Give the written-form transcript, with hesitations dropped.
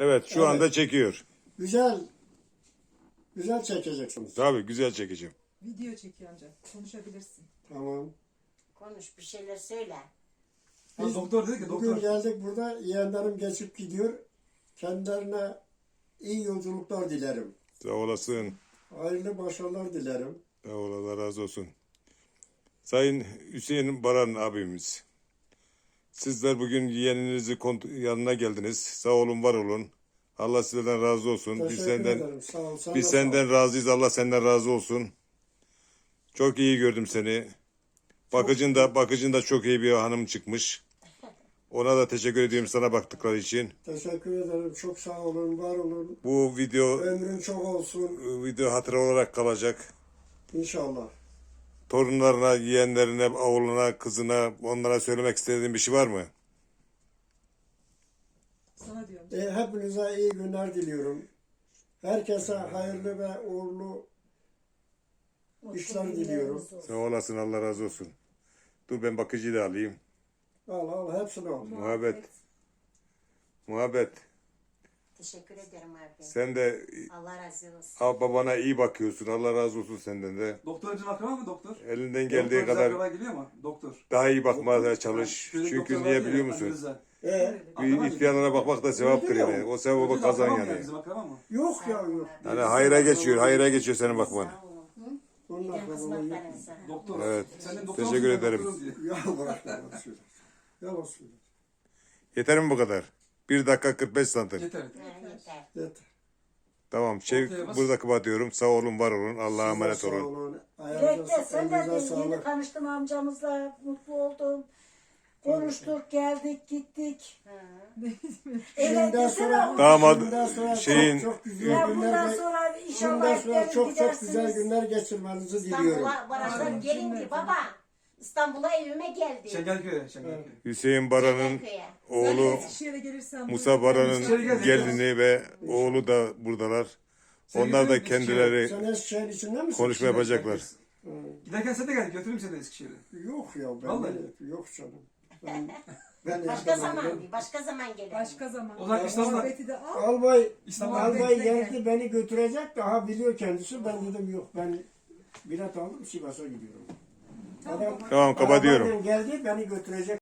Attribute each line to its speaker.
Speaker 1: Evet, şu
Speaker 2: Evet.
Speaker 1: anda çekiyor.
Speaker 2: Güzel. Güzel çekeceksiniz.
Speaker 1: Tabii güzel çekeceğim.
Speaker 3: Video çekiyor ancak. Konuşabilirsin.
Speaker 2: Tamam.
Speaker 4: Konuş bir şeyler söyle.
Speaker 2: Biz
Speaker 5: doktor dedi ki
Speaker 2: bugün
Speaker 5: doktor.
Speaker 2: geldik burada. Yeğenlerim geçip gidiyor. Kendilerine iyi yolculuklar dilerim.
Speaker 1: Sağ olasın.
Speaker 2: Hayırlı başarılar dilerim.
Speaker 1: Sağ ol, Allah razı olsun. Sayın Hüseyin Baran abimiz. Sizler bugün yeğeninizi yanına geldiniz. Sağ olun, var olun. Allah sizden razı olsun.
Speaker 2: Teşekkür ederim. Sağ ol. Sen
Speaker 1: Biz
Speaker 2: de
Speaker 1: senden razıyız. Allah senden razı olsun. Çok iyi gördüm seni. Bakıcın da çok iyi bir hanım çıkmış. Ona da teşekkür ediyorum sana baktıkları için.
Speaker 2: teşekkür ederim. Çok sağ olun. Var olun.
Speaker 1: Bu
Speaker 2: Ömrün çok olsun.
Speaker 1: video hatıra olarak kalacak.
Speaker 2: İnşallah.
Speaker 1: Torunlarına, yeğenlerine, oğluna, kızına, onlara söylemek istediğin bir şey var mı?
Speaker 3: Sana diyorum.
Speaker 2: Hepinize iyi günler diliyorum. Herkese hayırlı ve uğurlu işler diliyorum.
Speaker 1: Sağ olasın, Allah razı olsun. Dur ben bakıcıyı da alayım.
Speaker 2: Al hepsini al.
Speaker 1: Muhabbet.
Speaker 4: Teşekkür ederim abi.
Speaker 1: Sen de
Speaker 4: Allah razı olsun.
Speaker 1: babana iyi bakıyorsun. Allah razı olsun senden de.
Speaker 5: Doktor için akraba mı doktor?
Speaker 1: Elinden geldiği
Speaker 5: Doktor
Speaker 1: kadar
Speaker 5: akraba geliyor mu? Doktor.
Speaker 1: daha iyi bakmaya çalış.
Speaker 5: Şöyle
Speaker 1: Çünkü
Speaker 5: doktor
Speaker 1: niye
Speaker 5: var ya,
Speaker 1: biliyor
Speaker 5: Ali
Speaker 1: musun?
Speaker 5: Rıza.
Speaker 1: Bir ihtiyarlara bakmak da sevaptır yani. O sevabı
Speaker 5: Ödül
Speaker 1: kazan
Speaker 5: akraba mı
Speaker 1: yani.
Speaker 5: Bizim akraba mı?
Speaker 2: Yok ya yok.
Speaker 1: Yani hayra geçiyor senin bakman.
Speaker 4: Sağ olun.
Speaker 2: Bunlar
Speaker 4: Ben
Speaker 2: da
Speaker 4: kızmak
Speaker 2: bana yok.
Speaker 4: verin sana.
Speaker 5: Doktor.
Speaker 1: Evet.
Speaker 5: Senden doktor
Speaker 1: Teşekkür
Speaker 5: musun? Ben
Speaker 1: ederim.
Speaker 5: doktorum diyor.
Speaker 2: Ya bırak yalan söyle. Yalan söyle.
Speaker 1: Yeter mi bu kadar? 1 dakika 45 santim.
Speaker 5: Yeter.
Speaker 4: Ha, yeter.
Speaker 2: Yeter.
Speaker 1: Tamam.
Speaker 5: Ortaya bas.
Speaker 1: Burada kapatıyorum. Sağ olun, var olun. Allah'a emanet
Speaker 2: Sağ
Speaker 1: olun.
Speaker 2: olun.
Speaker 6: Dilek'te
Speaker 2: Ayağınıza
Speaker 6: sen de
Speaker 2: elinize
Speaker 6: yeni
Speaker 2: sağlık.
Speaker 6: tanıştım amcamızla, mutlu oldum. Konuştuk, geldik, gittik.
Speaker 2: Şimdiden
Speaker 6: desene
Speaker 2: sonra,
Speaker 6: o-
Speaker 1: Damat
Speaker 2: şimdiden sonra
Speaker 1: şeyin-
Speaker 2: çok güzel
Speaker 6: Ya
Speaker 2: günler
Speaker 6: bundan
Speaker 2: ge-
Speaker 6: sonra
Speaker 2: şimdiden
Speaker 6: inşallah
Speaker 2: sonra
Speaker 6: hep
Speaker 2: çok
Speaker 6: gidersiniz.
Speaker 2: güzel günler geçirmenizi diliyorum.
Speaker 4: İstanbul'a barajdan gelin ki baba. İstanbul'a evime geldi.
Speaker 5: Şengelköy'e. Şengelköy.
Speaker 1: Hüseyin Baran'ın
Speaker 4: Şengelköy'e.
Speaker 1: oğlu
Speaker 3: Eskişehir'e gelirsen...
Speaker 1: Musa Baran'ın
Speaker 5: İçeri gel.
Speaker 1: gelini ve oğlu da buradalar. Onlar da kendileri
Speaker 2: Sen Eskişehir içinde misin?
Speaker 1: konuşma yapacaklar.
Speaker 5: Giderken sen de gel. Götüreyim seni Eskişehir'e.
Speaker 2: Yok ya ben
Speaker 5: Vallahi.
Speaker 2: yok canım. Ben
Speaker 4: Başka
Speaker 2: yaşamam.
Speaker 4: zaman, başka zaman gelelim.
Speaker 3: Başka zaman.
Speaker 5: O zaman İstanbul'a-
Speaker 3: Muhabbeti de al.
Speaker 5: İstanbul'a
Speaker 2: Albay
Speaker 3: Bekle
Speaker 2: geldi beni götürecek daha biliyor kendisi. Ben dedim yok ben bilet aldım Sivas'a gidiyorum. Adam
Speaker 1: Tamam kapatıyorum.
Speaker 2: arabayla geldi beni götürecek.